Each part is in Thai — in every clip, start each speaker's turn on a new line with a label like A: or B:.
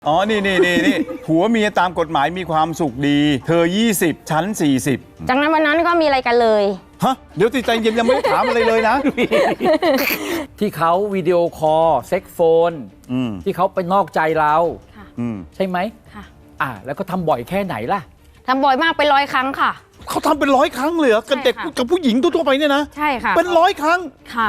A: อ๋อ นี่ผัวเมียตามกฎหมายมีความสุขดี เธอ 20 ฉัน 40
B: จากนั้นวันนั้นก็มีอะไรกันเลย
A: ฮะ เดี๋ยวติดใจเย็นยังไม่ได้ถามอะไรเลยนะ
C: ที่เขาวิดีโอคอลเซ็กโฟนที่เขาไปนอกใจเรา
B: ค่ะ
C: ใช่ไหม
B: ค่ะ
C: แล้วก็ทำบ่อยแค่ไหนล่ะ
B: ทำบ่อยมากเป็น100 ครั้งค่ะ
A: เขาทำเป็น100 ครั้งเลยเหรอกับเด็ก
B: ใช่ค่ะ
A: กับผู้หญิงทั่วๆไปเนี่ยนะ
B: ใช่ค่ะ
A: เป็น100 ครั้ง
B: ค่ะ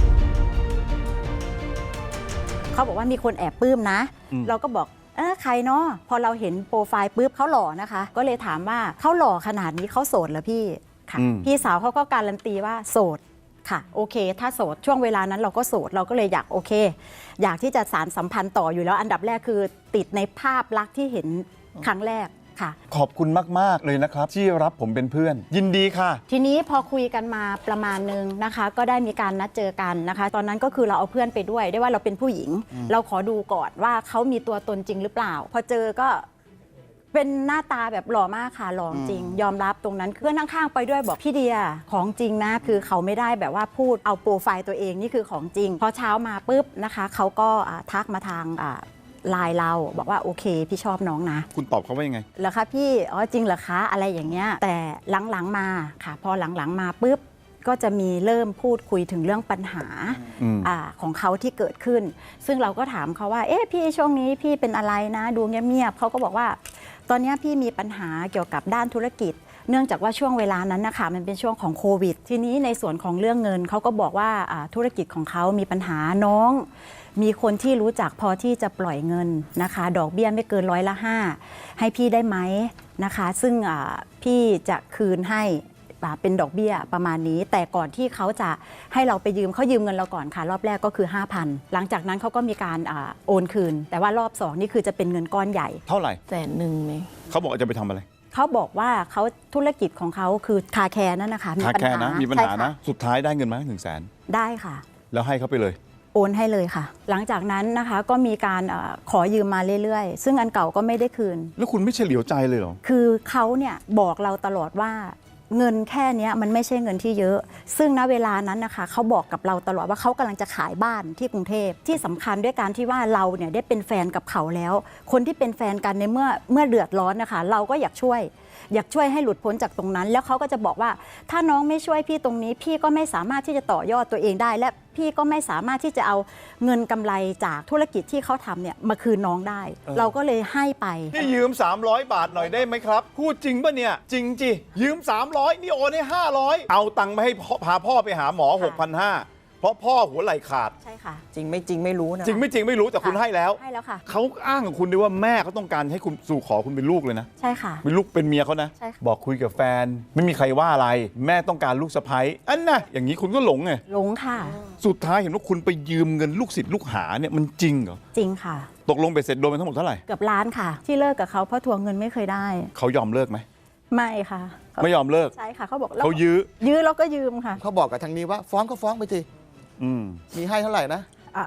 D: เขาบอกว่ามีคนแอบปลื้มนะ เราก็บอกใครเนาะพอเราเห็นโปรไฟล์ปุ๊บเขาหล่อนะคะ ก็เลยถามว่าเขาหล่อขนาดนี้เขาโสดเหรอพี่ค่ะพี่สาวเขาก็การันตีว่าโสดค่ะโอเค ถ้าโสดช่วงเวลานั้นเราก็โสดเราก็เลยอยากโอเค อยากที่จะสานสัมพันธ์ต่ออยู่แล้วอันดับแรกคือติดในภาพลักษณ์ที่เห็นครั้งแรกค่ะ
A: ขอบคุณมากๆเลยนะครับ ที่รับผมเป็นเพื่อน ยินดีค่ะ
D: ทีนี้พอคุยกันมาประมาณนึงนะคะ ก็ได้มีการนัดเจอกันนะคะ ตอนนั้นก็คือเราเอาเพื่อนไปด้วยได้ว่าเราเป็นผู้หญิง เราขอดูก่อนว่าเขามีตัวตนจริงหรือเปล่า พอเจอก็เป็นหน้าตาแบบหล่อมากค่ะหล่อจริง ยอมรับตรงนั้นเพื่อนข้างๆไปด้วยบอกพี่เดียของจริงนะคือเขาไม่ได้แบบว่าพูดเอาโปรไฟล์ตัวเองนี่คือของจริงพอเช้ามาปุ๊บนะคะเขาก็ทักมาทางไลน์เราบอกว่าโอเคพี่ชอบน้องนะ
A: คุณตอบเขาว่ายังไง
D: เหรอคะพี่อ๋อจริงเหรอคะอะไรอย่างเงี้ยแต่หลังๆมาค่ะพอหลังๆมาปุ๊บก็จะมีเริ่มพูดคุยถึงเรื่องปัญหาของเขาที่เกิดขึ้น ซึ่งเราก็ถามเขาว่าเอ๊ะพี่ช่วงนี้พี่เป็นอะไรนะดูเงียบๆเขาก็บอกว่าตอนนี้พี่มีปัญหาเกี่ยวกับด้านธุรกิจ เนื่องจากว่าช่วงเวลานั้นนะคะมันเป็นช่วงของโควิดทีนี้ในส่วนของเรื่องเงินเขาก็บอกว่าธุรกิจของเขามีปัญหาน้องมีคนที่รู้จักพอที่จะปล่อยเงินนะคะดอกเบี้ยไม่เกิน5%ให้พี่ได้ไหมนะคะซึ่งพี่จะคืนให้เป็นดอกเบี้ยประมาณนี้แต่ก่อนที่เขาจะให้เราไปยืมเขายืมเงินเราก่อนค่ะรอบแรกก็คือ 5,000 หลังจากนั้นเขาก็มีการโอนคืนแต่ว่ารอบ2นี่คือจะเป็นเงินก้อนใหญ่
A: เท่าไหร่
B: 100,000ไหม
A: เขาบอกว่าจะไปทำอะไร
D: เขาบอกว่าเขาธุรกิจของเขาคือคาแคร์นั่นนะคะมี
A: คา
D: ปัญ
A: แค่
D: หา
A: นะมีปัญ
D: ใช่
A: หา
D: ค่
A: นะ สุดท้ายได้เงินมา100,000
D: ได้ค่ะ
A: แล้วให้เขาไปเลย
D: โอนให้เลยค่ะ หลังจากนั้นนะคะก็มีการขอยืมมาเรื่อยๆ ซึ่งอันเก่าก็ไม่ได้คืน
A: แล้วคุณไม่เฉลียวใจเลยเหรอ
D: คือเขาเนี่ยบอกเราตลอดว่าเงินแค่นี้มันไม่ใช่เงินที่เยอะ ซึ่งณเวลานั้นนะคะเขาบอกกับเราตลอดว่าเขากำลังจะขายบ้านที่กรุงเทพที่สำคัญด้วยการที่ว่าเราเนี่ยได้เป็นแฟนกับเขาแล้ว คนที่เป็นแฟนกันในเมื่อเดือดร้อนนะคะเราก็อยากช่วยให้หลุดพ้นจากตรงนั้น แล้วเขาก็จะบอกว่าถ้าน้องไม่ช่วยพี่ตรงนี้พี่ก็ไม่สามารถที่จะต่อยอดตัวเองได้ และพี่ก็ไม่สามารถที่จะเอาเงินกำไรจากธุรกิจที่เขาทำเนี่ยมาคืนน้องได้ เราก็เลยให้ไป
A: นี่ยืม300 บาทหน่อยได้ไหมครับ พูดจริงป่ะเนี่ย จริงจิยืม300นี่โอนให้500เอาตังค์มาให้พาพ่อไปหาหมอ 6,500 เพราะพ่อหัวไหล่ขาด
D: ใช่ค่ะ
E: จริงไม่จริงไม่รู้นะ
A: จริงไม่จริงไม่รู้แต่คุณให้แล้ว
D: ให้แล้วค่ะ
A: เขาอ้างกับคุณด้วยว่าแม่เขาต้องการให้คุณสู่ขอคุณเป็นลูกเลยนะ
D: ใช่ค่ะ
A: เป็นลูกเป็นเมียเขานะ
D: ใช่ค่ะ
A: บอกคุยกับแฟน ไม่มีใครว่าอะไร แม่ต้องการลูกสะใภ้อันน่ะอย่างนี้คุณก็หลงไง
D: หลงค่ะ
A: สุดท้ายเห็นว่าคุณไปยืมเงินลูกศิษย์ลูกหาเนี่ยมันจริงเหรอ
D: จริงค่ะ
A: ตกลงไปเสร็จโดนไปทั้งหมดเท่าไหร่
D: เกือบล้านค่ะ ที่เลิกกับเขาเพราะทวงเงินไม่เคยได้
A: เขายอมเลิกไหม
D: ไม่ค่ะ
A: ไม่ยอมเลิก
D: ใช่ค่ะเขาบอก
A: เขายื้อ
D: ยื้อแล้วก็ยืมค่ะ
E: เขาบอกกับทางนี้ว่าฟ้องก็ฟ้องไปสิ
A: อืม
E: มีให้เท่าไหร่นะ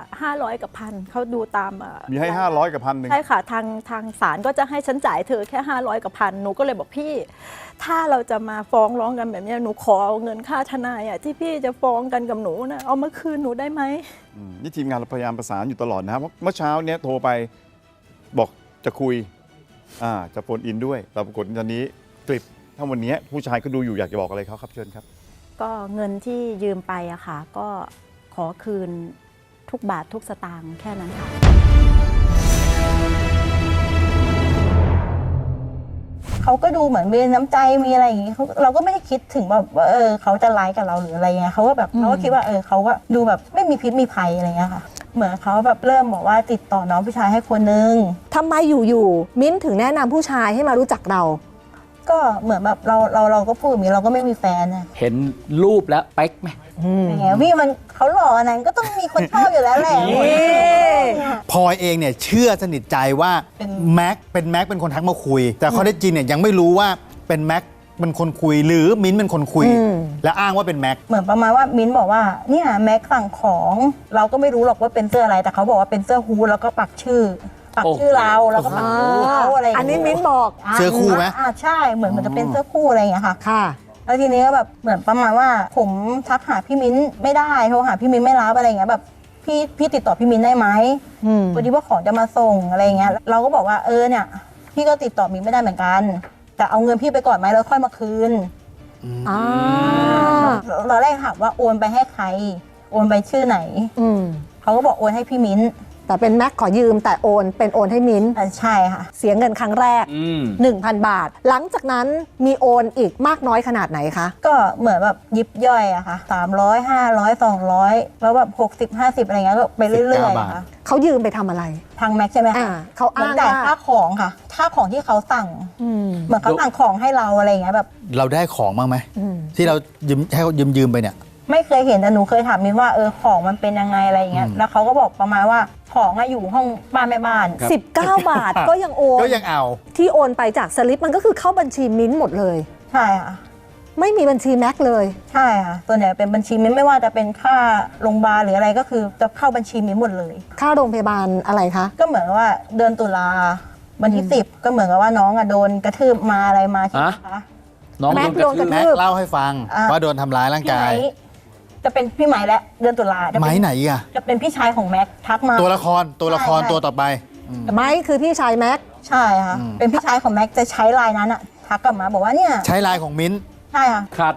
D: 500 กับ1,000เขาดูตาม
A: มีให้500กับ1,000
D: ใช่ค่ะทางศาลก็จะให้ฉันจ่ายเธอแค่500 กับ1,000หนูก็เลยบอกพี่ ถ้าเราจะมาฟ้องร้องกันแบบนี้หนูขอเอาเงินค่าทนายที่พี่จะฟ้องกันกับหนูนะเอามาคืนหนูได้ไหม
A: นี่ทีมงานเราพยายามประสานอยู่ตลอดนะครับเพราะเมื่อเช้าเนี้ยโทรไปบอกจะคุยจะโฟนอินด้วยแต่ปรากฏตอนนี้กลิบถ้าวันนี้ผู้ชายก็ดูอยู่อยากจะบอกอะไรเขาครับเชิญครับ
D: ก็เงินที่ยืมไปอะค่ะ ก็ขอคืนทุกบาททุกสตางค์แค่นั้นค่ะ
F: เขาก็ดูเหมือนมีน้ำใจมีอะไรอย่างงี้เราก็ไม่ได้คิดถึงแบบว่าเขาจะร้ายกับเราหรืออะไรเงี้ยเขาก็แบบเราก็คิดว่าเขาก็ดูแบบไม่มีพิษมีภัยอะไรเงี้ยค่ะ เหมือนเขาแบบเริ่มบอกว่าติดต่อน้องผู้ชายให้คนนึง
G: ทำไมอยู่ๆมิ้นถึงแนะนำผู้ชายให้มารู้จักเรา
F: ก็เหมือนแบบเราก็พูดอย่างนี้เราก็ไม่มีแฟนนะ
C: เห็นรูปแล้วเป๊กไหม
F: อย่างเงี้ยพี่มันเขาหล่ออันนั้นก็ต้องมีคนชอบอยู่แล้วแหละ
H: พลอยเองเนี่ยเชื่อสนิทใจว่าแม็กเป็นคนทักมาคุย แต่ข้อเท็จจริงเนี่ยยังไม่รู้ว่าเป็นแม็กเป็นคนคุยหรือมิ้นเป็นคนคุย และอ้างว่าเป็นแม็ก
F: เหมือนประมาณว่ามิ้นบอกว่าเนี่ยแม็กสั่งของเราก็ไม่รู้หรอกว่าเป็นเสื้ออะไรแต่เขาบอกว่าเป็นเสื้อฮู้ดแล้วก็ปักชื่อเราแล้วก็ปักชื่อเขาอะไรอย่าง
G: อัน
F: เงี้ย
G: นี้มิ้นบอก
H: เสื้อคู่ไหม
F: ใช่เหมือนมันจะเป็นเสื้อคู่อะไรอย่างเงี้ยค่ะ
G: ค่ะ
F: แล้วทีนี้ก็แบบเหมือนประมาณว่าผมทักหาพี่มิ้นไม่ได้โทรหาพี่มิ้นไม่รับอะไรอย่างเงี้ยแบบพี่ติดต่อพี่มิ้นได้ไหมพอดีว่าของจะมาส่งอะไรเงี้ยเราก็บอกว่าเนี่ยพี่ก็ติดต่อมิ้นไม่ได้เหมือนกันแต่เอาเงินพี่ไปก่อนไหมแล้วค่อยมาคืนเราแรกถามว่าโอนไปให้ใครโอนไปชื่อไหนเขาก็บอกโอนให้พี่มิ้น
G: แต่เป็นแม็กขอยืมแต่โอนให้มิ้น
F: ใช่ค่ะ
G: เสียเงินครั้งแรก 1,000 บาท หลังจากนั้นมีโอนอีกมากน้อยขนาดไหนคะ
F: ก็เหมือนแบบยิบย่อยอะค่ะ300 500 200แล้วแบบ60 50อะไรเงี้ยก็ไปเรื่อยๆอะค่ะ
G: เขายืมไปทำอะไร
F: ทางแม็กใช่ไหมคะ
G: เขา
F: เหมือ
G: อ้าน ง
F: จ่าย
G: ว่า
F: ค่าของค่ะค่าของที่เขาสั่งเหมือนเขาสั่งของให้เราอะไรเงี้ยแบบ
H: เราได้ของบ้างไหมที่เราให้เขายืมไปเนี่ย
F: ไม่เคยเห็นแต่หนูเคยถามมิ้นว่าของมันเป็นยังไงอะไรเงี้ยแล้วเขาก็บอกประมาณว่าของอยู่ห้องบ้านแม่บ้าน
G: 19 บาทก็ยังโอน
H: ก็ยังเอา
G: ที่โอนไปจากสลิปมันก็คือเข้าบัญชีมิ้นหมดเลย
F: ใช่ค่ะ
G: ไม่มีบัญชีแม็กเลย
F: ใช่ค่ะส่วนใหญ่เป็นบัญชีมิ้นไม่ว่าจะเป็นค่าโรงพยาบาลหรืออะไรก็คือจะเข้าบัญชีมิ้นหมดเลย
G: ค่าโรงพยาบาลอะไรคะ
F: ก็เหมือนว่าเดือนตุลาวันที่10ก็เหมือนกับว่าน้องโดนกระทืบมาอะไรมาใช่ไหมคะ
C: น้องโดนกระทืบ
H: แม็กเล่าให้ฟังว่าโดนทำร้ายร่างกาย
F: จะเป็นพี่ไหมและเดือนตุลา
H: ไหมไหนอ่ะ
F: จะเป็นพี่ชายของแม็กทักมา
H: ตัวละครตัวต่อไป
G: ไหมคือพี่ชายแม็ก
F: ใช่ค่ะเป็นพี่ชายของแม็กจะใช้ไลน์นั้นอะทักกลับมาบอกว่าเนี่ย
H: ใช้ไลน์ของมิ้น
F: ใช่ค่ะ
C: ขาด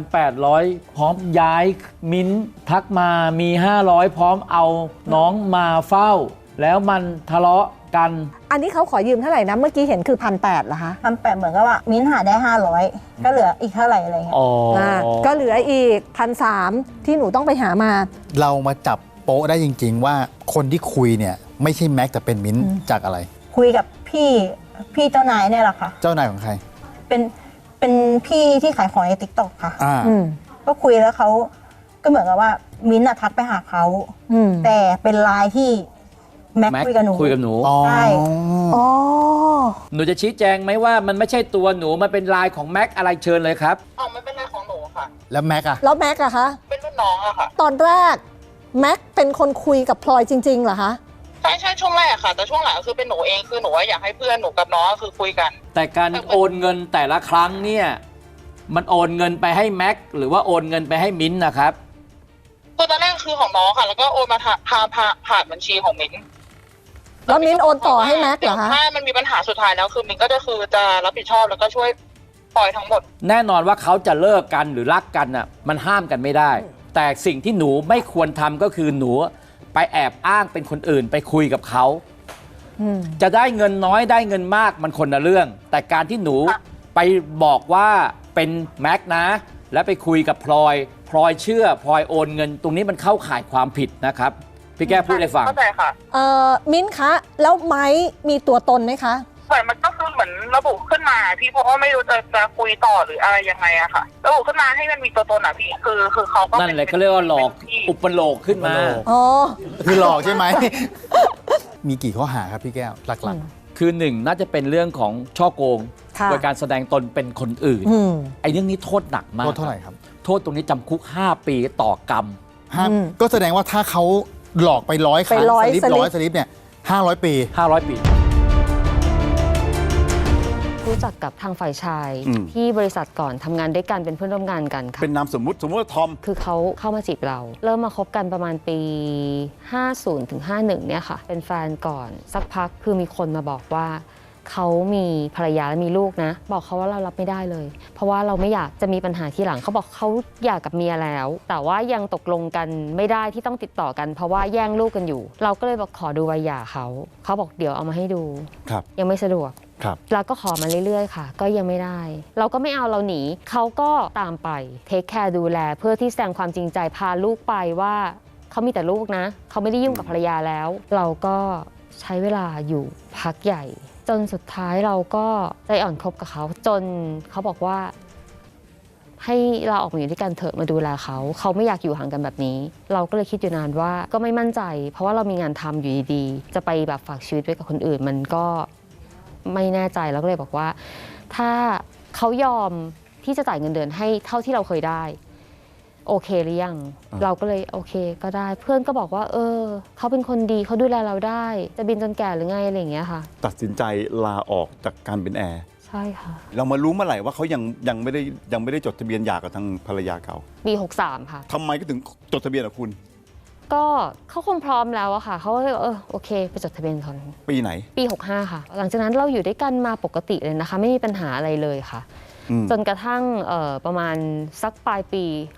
C: 1,800 พร้อมย้ายมิ้นทักมามี 500 พร้อมเอาน้องมาเฝ้าแล้วมันทะเลาะกัน
G: อันนี้เขาขอยืมเท่าไหร่นะเมื่อกี้เห็นคือ1,800เหรอคะ
F: 1,800เหมือนกับว่ามิ้นหาได้500ก็เหลืออีกเท่าไหร่อะไรเงี้ย
G: ก็เหลืออีก1,300ที่หนูต้องไปหามา
H: เรามาจับโป๊ะได้จริงๆว่าคนที่คุยเนี่ยไม่ใช่แม็กแต่เป็นมิ้นจากอะไร
F: คุยกับพี่เจ้านายเนี่ยแหละค่ะ
H: เจ้านายของใคร
F: เป็นพี่ที่ขายของใน TikTok ค่ะก็คุยแล้วเขาก็เหมือนกับว่ามิ้นทักไปหาเขาแต่เป็นไลน์ที่แม็กคุยกับหนูใช่
C: หนูจะชี้แจงไหมว่ามันไม่ใช่ตัวหนูมันเป็นไลน์ของแม็กอะไรเชิญเลยครับ
F: มันเป็นไลน์ของหนูค่ะ
H: แล้วแม็กอะ
G: แล้วแม็กอะคะ
F: เป็นรุ่นน้องอะค่ะ
G: ตอนแรกแม็กเป็นคนคุยกับพลอยจริงๆเหรอคะ
F: ใช่ช่วงแรกค่ะแต่ช่วงหลังคือเป็นหนูเองคือหนูอยากให้เพื่อนหนูกับน้องคือคุยกัน
C: แต่การโอนเงินแต่ละครั้งเนี่ยมันโอนเงินไปให้แม็กหรือว่าโอนเงินไปให้มิ้นนะครับ
F: คือตอนแรกคือของน้องค่ะแล้วก็โอนมาผ่านบัญชีของมิ้น
G: แล้วมิ้นโอนต่อให้แม็กเหรอคะ
F: ถ้ามันมีปัญหาสุดท้ายแล้วคือมิ้นก็จะรับผิดชอบแล้วก็ช่วยปล่อยทั้งหมด
C: แน่นอนว่าเขาจะเลิกกันหรือรักกันน่ะมันห้ามกันไม่ได้แต่สิ่งที่หนูไม่ควรทำก็คือหนูไปแอบอ้างเป็นคนอื่นไปคุยกับเขาจะได้เงินน้อยได้เงินมากมันคนละเรื่องแต่การที่หนูไปบอกว่าเป็นแม็กนะแล้วไปคุยกับพลอยเชื่อพลอยโอนเงินตรงนี้มันเข้าข่ายความผิดนะครับพี่แก้พูดให้ฟัง
F: เข้าใจค่ะ
G: มิ้นคะแล้วไม้มีตัวตนไหมคะ
F: เหมือนมันก็คือเหมือนระบุขึ้นมาพี่เพราะว่าไม่รู้จะคุยต่อหรืออะไรยังไงอะค่ะระบุขึ้นมาให้มันมีตัวตนอะพี่คือเขาก็
C: นั่นแหละก็เรียกว่าหลอกอุปโลกขึ้นมา
H: คือหลอกใช่ไหม มีกี่ข้อหาครับพี่แก้วหลัก
C: ๆคือหนึ่งน่าจะเป็นเรื่องของช่อโกงโดยการแสดงตนเป็นคนอื่นไอ้เรื่องนี้โทษหนักมาก
H: โทษเท่าไหร่ครับ
C: โทษตรงนี้จำคุก5 ปีต่อกรรม
H: ก็แสดงว่าถ้าเขาหลอกไป100 ครั้งสลิปเนี่ย500 ปี
B: รู้จักกับทางฝ่ายชายที่บริษัทก่อนทำงานด้วยกันเป็นเพื่อนร่วมงานกันค่ะ
A: เป็นนามสมมุติว่าทอม
B: คือเขาเข้ามาจีบเราเริ่มมาคบกันประมาณปี50 ถึง 51เนี่ยค่ะเป็นแฟนก่อนสักพักคือมีคนมาบอกว่าเขามีภรรยาและมีลูกนะบอกเขาว่าเรารับไม่ได้เลยเพราะว่าเราไม่อยากจะมีปัญหาที่หลังเขาบอกเขาอยากกับเมียแล้วแต่ว่ายังตกลงกันไม่ได้ที่ต้องติดต่อกันเพราะว่าแย่งลูกกันอยู่เราก็เลยบอกขอดูใบหย่าเขาบอกเดี๋ยวเอามาให้ดูยังไม่สะดวกเราก็ขอมาเรื่อยๆค่ะก็ยังไม่ได้เราก็ไม่เอาเราหนีเขาก็ตามไปเทคแคร์ดูแลเพื่อที่แสดงความจริงใจพาลูกไปว่าเขามีแต่ลูกนะเขาไม่ได้ยุ่งกับภรรยาแล้วเราก็ใช้เวลาอยู่พักใหญ่จนสุดท้ายเราก็ใจอ่อนคบกับเขาจนเขาบอกว่าให้เราออกมาอยู่ด้วยกันเถอะมาดูแลเขาไม่อยากอยู่ห่างกันแบบนี้เราก็เลยคิดอยู่นานว่าก็ไม่มั่นใจเพราะว่าเรามีงานทำอยู่ดีๆจะไปแบบฝากชีวิตไว้กับคนอื่นมันก็ไม่แน่ใจแล้วก็เลยบอกว่าถ้าเขายอมที่จะจ่ายเงินเดือนให้เท่าที่เราเคยได้โอเคหรือยังเราก็เลยโอเคก็ได้เพื่อนก็บอกว่าเขาเป็นคนดีเขาดูแลเราได้จะบินจนแก่หรือไงอะไรอย่างเงี้ยค่ะ
A: ตัดสินใจลาออกจากการเป็นแอร์
B: ใช่ค่ะ
A: เรามารู้เมื่อไหร่ว่าเขายังไม่ได้จดทะเบียนหย่ากับทางภรรยาเก่า
B: ปี63ค่ะ
A: ทำไมก็ถึงจดทะเบียนกับคุณ
B: ก็เขาคงพร้อมแล้วอะค่ะเขาก็เลยโอเคไปจดทะเบียนก่อน
A: ปีไหน
B: ปี 65 ค่ะ หลังจากนั้นเราอยู่ด้วยกันมาปกติเลยนะคะ ไม่มีปัญหาอะไรเลยค่ะ จนกระทั่งประมาณสักปลายปี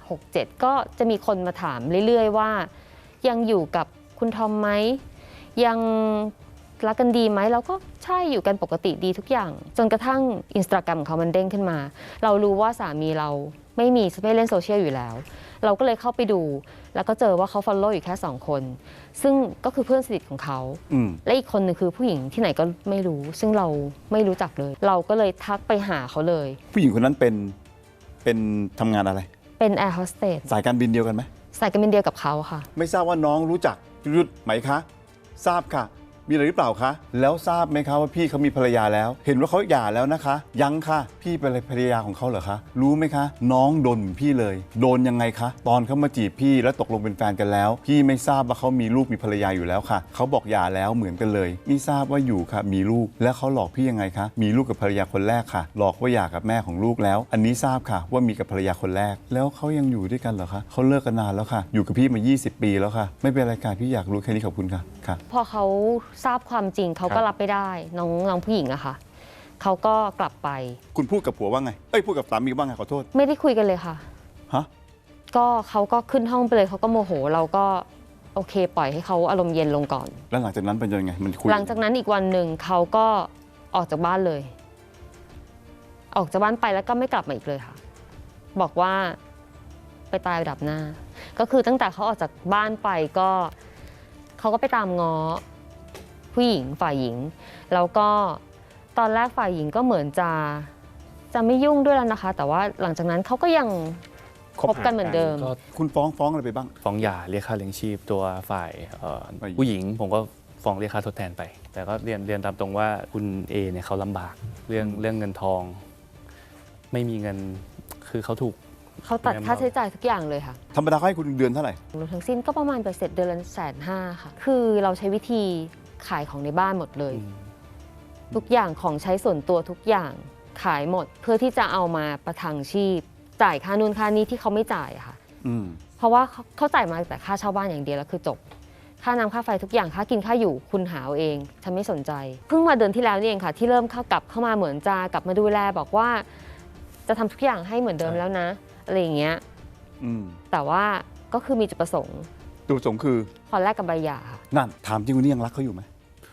B: 67 ก็จะมีคนมาถามเรื่อยๆว่ายังอยู่กับคุณทอมไหมยังรักกันดีไหมเราก็ใช่อยู่กันปกติดีทุกอย่าง จนกระทั่งอินสตาแกรมของเขามันเด้งขึ้นมา เรารู้ว่าสามีเราไม่เล่นโซเชียลอยู่แล้ว เราก็เลยเข้าไปดูแล้วก็เจอว่าเขา follow อยู่แค่2 คนซึ่งก็คือเพื่อนสนิทของเขาและอีกคนหนึ่งคือผู้หญิงที่ไหนก็ไม่รู้ ซึ่งเราไม่รู้จักเลย เราก็เลยทักไปหาเขาเลย
A: ผู้หญิงคนนั้นเป็นทำงานอะไร
B: เป็นแอร์โฮสเตส
A: สายการบินเดียวกันไหม
B: สายการบินเดียวกับเขาค่ะ
A: ไม่ทราบว่าน้องรู้จักยุทธไหมคะ ทราบค่ะ มีอะไรหรือเปล่าคะ แล้วทราบไหมคะว่าพี่เขามีภรรยาแล้ว เห็นว่าเขาหย่าแล้วนะคะ ยังค่ะ พี่เป็นภรรยาของเขาเหรอคะ รู้ไหมคะ น้องโดนเหมือนพี่เลย โดนยังไงคะ ตอนเขามาจีบพี่แล้วตกลงเป็นแฟนกันแล้ว พี่ไม่ทราบว่าเขามีลูกมีภรรยาอยู่แล้วค่ะ เขาบอกหย่าแล้วเหมือนกันเลย ไม่ทราบว่าอยู่ค่ะ มีลูก แล้วเขาหลอกพี่ยังไงคะ มีลูกกับภรรยาคนแรกค่ะ หลอกว่าหย่ากับแม่ของลูกแล้ว อันนี้ทราบค่ะว่ามีกับภรรยาคนแรก แล้วเขายังอยู่ด้วยกันเหรอคะ เขาเลิกกันนานแล้วค่ะ อยู่กับพี่มา 20 ปีแล้วค่ะ ไม่เป็นไรค่ะพี่อยากรู้แค่นี้ขอบคุณค่ะค่ะ
B: พอเขาทราบความจริงเขาก็รับไม่ได้น้องผู้หญิงอะค่ะเขาก็กลับไป
A: คุณพูดกับผัวว่าไง พูดกับสามีว่าไงขอโทษ
B: ไม่ได้คุยกันเลยค่ะ
A: ฮะ
B: ก็เขาก็ขึ้นห้องไปเลยเขาก็โมโหเราก็โอเคปล่อยให้เขาอารมณ์เย็นลงก่อน
A: แล้วหลังจากนั้นเป็นยังไง มันคุย
B: หลังจากนั้นอีกวันหนึ่งเขาก็ออกจากบ้านเลย ออกจากบ้านไปแล้วก็ไม่กลับมาอีกเลยค่ะ บอกว่าไปตายดับหน้า ก็คือตั้งแต่เขาออกจากบ้านไปก็เขาก็ไปตามง้อผู้หญิงฝ่ายหญิง แล้วก็ตอนแรกฝ่ายหญิงก็เหมือนจะไม่ยุ่งด้วยแล้วนะคะ แต่ว่าหลังจากนั้นเขาก็ยังคบกันเหมือนเดิม
I: ก็
A: คุณฟ้องอะไรไปบ้าง
I: ฟ้องหย่าเรียกค่าเลี้ยงชีพตัวฝ่าย
A: ฝ่ายหญิง
I: ผู้หญิงผมก็ฟ้องเรียกค่าทดแทนไป แต่ก็เรียนตามตรงว่าคุณเอเนี่ยเขาลำบากเรื่องเงินทอง ไม่มีเงินคือเขาถูก
B: เขาตัดค่าใช้จ่ายทุกอย่างเลยค่ะ
A: ธรรมดาเขาให้คุณเดือนเท่าไหร่
B: รวมทั้งสิ้นก็ประมาณเสร็จเดือนละ150,000ค่ะคือเราใช้วิธีขายของในบ้านหมดเลย ทุกอย่างของใช้ส่วนตัวทุกอย่างขายหมด เพื่อที่จะเอามาประทังชีพ จ่ายค่านู่นค่านี้ที่เขาไม่จ่ายอะค่ะ เพราะว่าเขาจ่ายมาแต่ค่าเช่าบ้านอย่างเดียวแล้วคือจบ ค่าน้ำค่าไฟทุกอย่างค่ากินค่าอยู่คุณหาเอาเองฉันไม่สนใจเพิ่งมาเดือนที่แล้วนี่เองค่ะที่เริ่มกลับเข้ามาเหมือนจะกลับมาดูแลบอกว่าจะทำทุกอย่างให้เหมือนเดิมแล้วนะอะไรอย่างเงี้ยแต่ว่าก็คือมีจุดประสงค์
A: จุดประสงค์คือ
B: พอแลกกับใบหย่าค่ะ
A: นั่นถามจริงวันนี้ยังรักเขาอยู่ไหม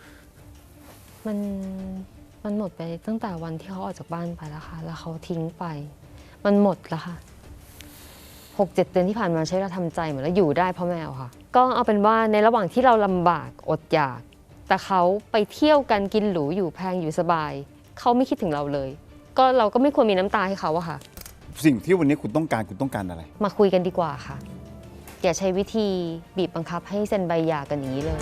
B: มันหมดไปตั้งแต่วันที่เขาออกจากบ้านไปแล้วค่ะแล้วเขาทิ้งไป มันหมดแล้วค่ะ 6-7 เดือนที่ผ่านมาใช้เวลาทำใจเหมือนแล้วอยู่ได้เพราะแมวค่ะ ก็เอาเป็นว่าในระหว่างที่เราลำบากอดอยาก แต่เขาไปเที่ยวกันกินหรูอยู่แพงอยู่สบายเขาไม่คิดถึงเราเลย ก็เราก็ไม่ควรมีน้ำตาให้เขาอะค่ะ
A: สิ่งที่วันนี้คุณต้องการอะไร
B: มาคุยกันดีกว่าค่ะอย่าใช้วิธีบีบบังคับให้เซ็นใบหย่ากันอย่างนี้เลย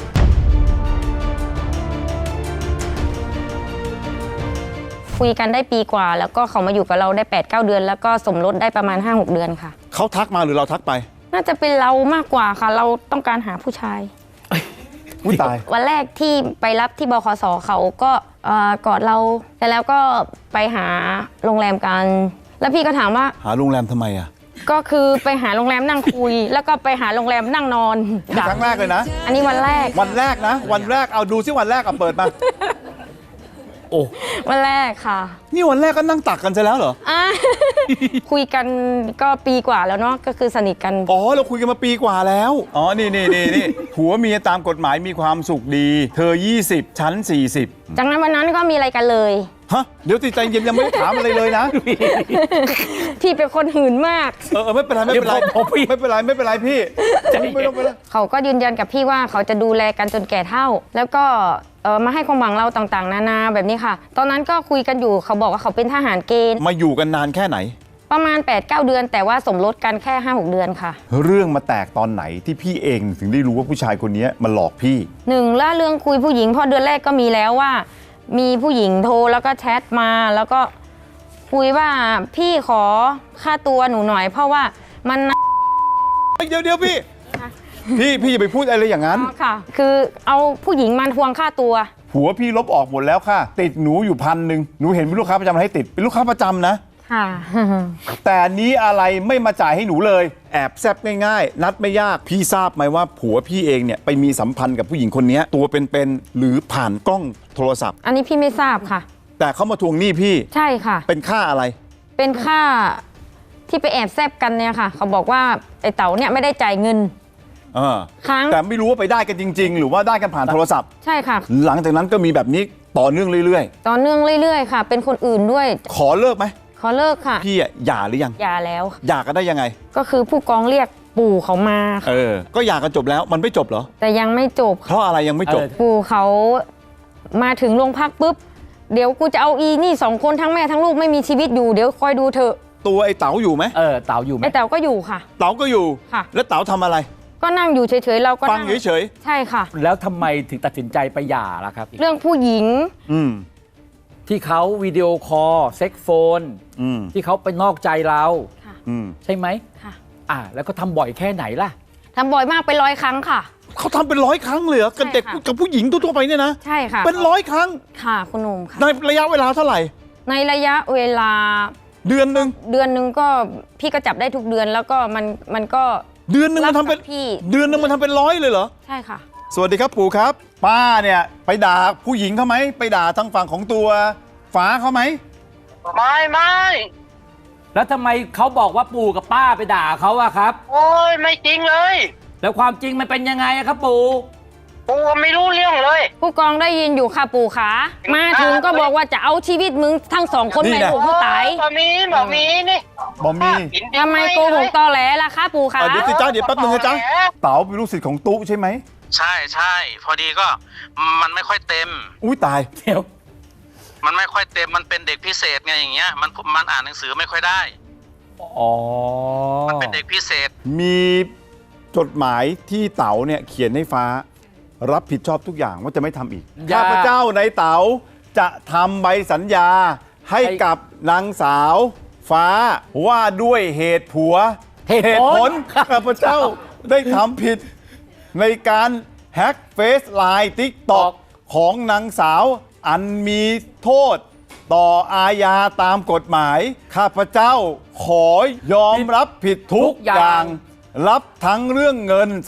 J: คุยกันได้ปีกว่าแล้วก็เขามาอยู่กับเราได้ 8-9 เดือน แล้วก็สมรสได้ประมาณ 5-6 เดือนค่ะ
A: เขาทักมาหรือเราทักไป
J: น่าจะเป็นเรามากกว่าค่ะ เราต้องการหาผู้ชาย
A: อุ้ยตาย
J: วันแรกที่ไปรับที่บขสเขาก็กอดเราแต่แล้วก็ไปหาโรงแรมกัน แล้วพี่ก็ถามว่า
A: หาโรงแรมทำไมอ่ะ
J: ก็คือไปหาโรงแรมนั่งคุย แล้วก็ไปหาโรงแรมนั่งนอน
A: ครั้งแรกเลยนะ
J: อันนี้วันแรก
A: วันแรกนะ วันแรกเอาดูซิวันแรกเอาเปิดมา โอ้
J: วันแรกค่ะ
A: นี่วันแรกก็นั่งตักกันซะแล้วเหรอ
J: อ่ะ คุยกันก็ปีกว่าแล้วเนาะก็คือสนิทกัน
A: อ๋อเราคุยกันมาปีกว่าแล้วอ๋อนี่ผัวเมียตามกฎหมายมีความสุขดี เธอ20ฉัน40
J: จากนั้นวันนั้นก็มีอะไรกันเลย
A: ฮะเดี๋ยวใจเย็นยังไม่ได้ถามอะไรเลยนะ
J: พี่เป็นคนหื่นมาก
A: ไม่เป็นไรไม่เป็นไรไม่เป็นไรไม่เป็นไรพี่ไม่ต้องไปแล้ว
J: เขาก็ยืนยันกับพี่ว่าเขาจะดูแลกันจนแก่เฒ่า แล้วก็มาให้ความหวังเราต่างๆนานาแบบนี้ค่ะ ตอนนั้นก็คุยกันอยู่เขาบอกว่าเขาเป็นทหารเกณฑ์
A: มาอยู่กันนานแค่ไหน
J: ประมาณ 8-9 เดือน แต่ว่าสมรสกันแค่ 5-6 เดือนค่ะ
A: เรื่องมาแตกตอนไหนที่พี่เองถึงได้รู้ว่าผู้ชายคนนี้มาหลอกพี่
J: หนึ่งแล้วเรื่องคุยผู้หญิงพอเดือนแรกก็มีแล้วว่า มีผู้หญิงโทรแล้วก็แชทมาแล้วก็คุยว่าพี่ขอค่าตัวหนูหน่อย เพราะว่ามัน
A: เดี๋ยวพี่อย่าไปพูดอะไรอย่างนั้น
J: ค่ะ คือเอาผู้หญิงมาทวงค่าตัว
A: ผัวพี่ลบออกหมดแล้วค่ะ ติดหนูอยู่1,000หนูเห็นเป็นลูกค้าประจำอะไรให้ติดเป็นลูกค้าประจำนะ
J: ค่ะ
A: แต่นี้อะไรไม่มาจ่ายให้หนูเลย แอบแซบง่ายๆ นัดไม่ยาก พี่ทราบไหมว่าผัวพี่เองเนี่ยไปมีสัมพันธ์กับผู้หญิงคนนี้ตัวเป็นๆหรือผ่านกล้องโทรศัพท์
J: อันนี้พี่ไม่ทราบค่ะ
A: แต่เขามาทวงหนี้พี่
J: ใช่ค่ะ
A: เป็นค่าอะไร
J: เป็นค่าที่ไปแอบแซบกันเนี่ยค่ะ เขาบอกว่าไอ้เต๋าเนี่ยไม่ได้จ่ายเงิน
A: ค้างแต่ไม่รู้ว่าไปได้กันจริง ๆ หรือว่าได้กันผ่านโทรศัพท์
J: ใช่ค่ะ
A: หลังจากนั้นก็มีแบบนี้ต่อเนื่องเรื่อย
J: ต่อเนื่องเรื่อยๆค่ะ เป็นคนอื่นด้วย
A: ๆ ขอเลิกไหม
J: ขอเลิกค่ะ
A: พี่อะหย่าหรือยัง
J: หย่าแล้ว
A: หย่ากันได้ยังไง
J: ก็คือผู้กองเรียกปู่เขามาค่ะ
A: ก็หย่ากันจบแล้วมันไม่จบเหรอ
J: แต่ยังไม่จบ
A: เพราะอะไรยังไม่จบ
J: ปู่เขามาถึงโรงพักปุ๊บ เดี๋ยวกูจะเอาอีนี่2 คนทั้งแม่ทั้งลูกไม่มีชีวิตอยู่เดี๋ยวคอยดูเถอะ
A: ตัวไอ้เต๋าอยู่ไหม
C: เต๋าอยู่ไหม
J: ไอ้เต๋าก็อยู่ค่ะ
A: เต๋าก็อยู่
J: ค่ะ
A: แล้วเต๋าทำอะไร
J: ก็นั่งอยู่เฉยๆเราก็
A: ฟัง
J: นั่ง
A: เฉย
J: ใช่ค่ะ
C: แล้วทำไมถึงตัดสินใจไปหย่าล่ะครับ
J: เรื่องผู้หญิง
A: ๆอืม
C: ที่เขาวิดีโอคอลเซ็กโฟน
A: อืม
C: ที่เขาไปนอกใจเรา
A: อืม
C: ใช่ไหม
J: ค่ะ
C: แล้วก็ทำบ่อยแค่ไหนล่ะ
J: ทำบ่อยมากเป็น100 ครั้งค่ะ
A: เขาทำเป็น100 ครั้งเลยเหรอกับเด็ก
J: ใช่ค่ะ
A: กับผู้หญิงทั่วๆไปเนี่ยนะ
J: ใช่ค่ะ
A: เป็น100 ครั้ง
J: ค่ะคุณหนุ่มค่ะ
A: ในระยะเวลาเท่าไหร่
J: ในระยะเวลา
A: เดือนหนึ่ง
J: เดือนหนึ่งก็พี่ก็จับได้ทุกเดือนแล้วก็มันก็
A: เดือนหนึ่งมันทำเป็น
J: รับกับพี่
A: เดือนหนึ่งมันทำเป็น100เลยเหรอ
J: ใช่ค่ะ
A: สวัสดีครับปู่ครับ ป้าเนี่ยไปด่าผู้หญิงเขาไหมไปด่าทางฝั่งของตัวฟ้าเขาไหม
K: ไม่
C: แล้วทำไมเขาบอกว่าปู่กับป้าไปด่าเขาอะครับ
K: โอ้ยไม่จริงเลย
C: แล้วความจริงมันเป็นยังไงอะครับปู่
K: กูไม่รู้เรื่องเลย
J: ผู้กองได้ยินอยู่ค่ะปู่ขามาถึงก็บอกว่าจะเอาชีวิตมึงทั้ง2 คน
A: นี่
J: ไป
A: แหละ
J: ถูกผู้ตาย
K: บ่มีนี่
A: บอมี
J: ทำไมโกหกตอแหลล่ะคะปู่ขา
A: เดี๋ยวสิจ้าเดี๋ยวแป๊บนึงนะจ๊ะเต๋าเป็นลูกศิษย์ของตุ๊ใช่ไหม
K: ใช่พอดีก็มันไม่ค่อยเต็ม
A: อุ้ยตาย
C: เดี๋ยว
K: มันไม่ค่อยเต็มมันเป็นเด็กพิเศษไงอย่างเงี้ยมันอ่านหนังสือไม่ค่อยได้
C: อ๋อ
K: มันเป็นเด็กพิเศษ
A: มีจดหมายที่เต๋าเนี่ยเขียนให้ฟ้า รับผิดชอบทุกอย่างว่าจะไม่ทำอีก
C: อย่า
A: ข้าพเจ้าในเต๋าจะทำใบสัญญาให้กับนางสาว ฟ้าว่าด้วยเหตุผัว
C: เหตุผล
A: ข้าพเจ้าได้ทำผิดในการแฮ็กเฟซไลน์ติ๊กตอกของนางสาวอันมีโทษ ต่ออาญาตามกฎหมาย ข้าพเจ้าขอยอมรับผิดทุกอย่าง รับทั้งเรื่องเงิน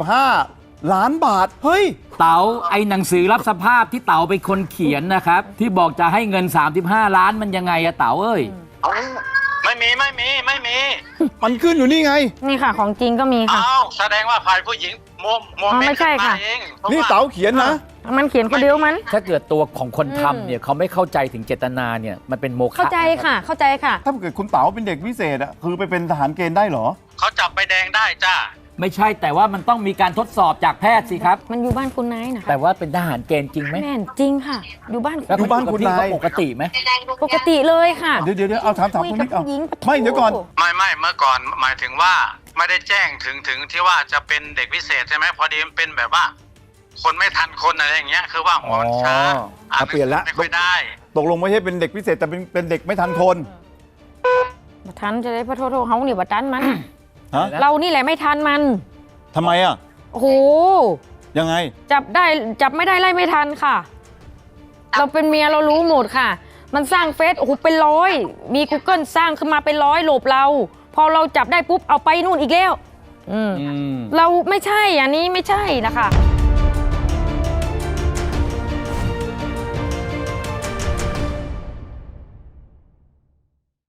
A: 35 ล้านบาท เฮ้ย
C: เต๋าไอ้หนังสือรับสภาพที่เต๋าเป็นคนเขียนนะครับ ที่บอกจะให้เงิน 35 ล้านมันยังไงอะเต๋าเอ้ย
K: ไม่มี
A: มันขึ้นอยู่นี่ไง
J: นี่ค่ะของจริงก็มีค่ะ
K: อ้าวแสดงว่าฝ่ายผู้หญิงโม
J: อ๋อไม่ใช่ค่ะ
K: เอง
A: นี่เต๋าเขียนนะ
J: มันเขียนคนเดียวมัน
C: ถ้าเกิดตัวของคนทำเนี่ยเขาไม่เข้าใจถึงเจตนาเนี่ยมันเป็นโมฆะ
J: เข้าใจค่ะ เข้าใจค่ะ
A: ถ้าเกิดคุณเต๋าเป็นเด็กพิเศษอะคือไปเป็นทหารเกณฑ์ได้เหรอ
K: เขาจับใบแดงได้จ้า
C: ไม่ใช่แต่ว่ามันต้องมีการทดสอบจากแพทย์สิครับ
J: มันอยู่บ้านคุณนายนะ
C: แต่ว่าเป็นทหารเกณฑ์จริงไหม
J: แม่นจริงค่ะ อยู่บ้าน
C: แล้ว
A: อยู่บ้านคุณนาย
C: ปกติไหม
J: ปกติเลยค่ะ
A: เดี๋ยวเอาถาม
J: คุย
A: คุณ
J: กับ
A: นิกเอา
J: ผู้หญิง
A: ไม่เดี๋ยวก่อน
K: ไม่เมื่อก่อนหมายถึงว่าไม่ได้แจ้งถึงที่ว่าจะเป็นเด็กพิเศษใช่ไหมพอดีมันเป็นแบบว่า คนไม่ทันคนอะไรอย่างเงี้ยคือว่าหัวมันช้า
A: อ่ะเปลี่ยนละ
K: ไม่ค่อยได้
A: ตกลงไม่ใช่เป็นเด็กพิเศษแต่เป็นเด็กไม่ทันคน
J: บัทันจะได้พระโทษเขาเนี่ยบัทันมัน
A: ฮะ
J: เรานี่แหละไม่ทันมัน
A: ทำไมอ่ะ
J: โอ้โห
A: ยังไง
J: จับไม่ได้ไล่ไม่ทันค่ะ เราเป็นเมียเรารู้หมดค่ะ มันสร้างเฟซโอ้โหเป็นร้อย มี Google สร้างขึ้นมาเป็นร้อยหลบเรา พอเราจับได้ปุ๊บเอาไปนู่นอีกแล้ว เราไม่ใช่อันนี้ไม่ใช่นะคะ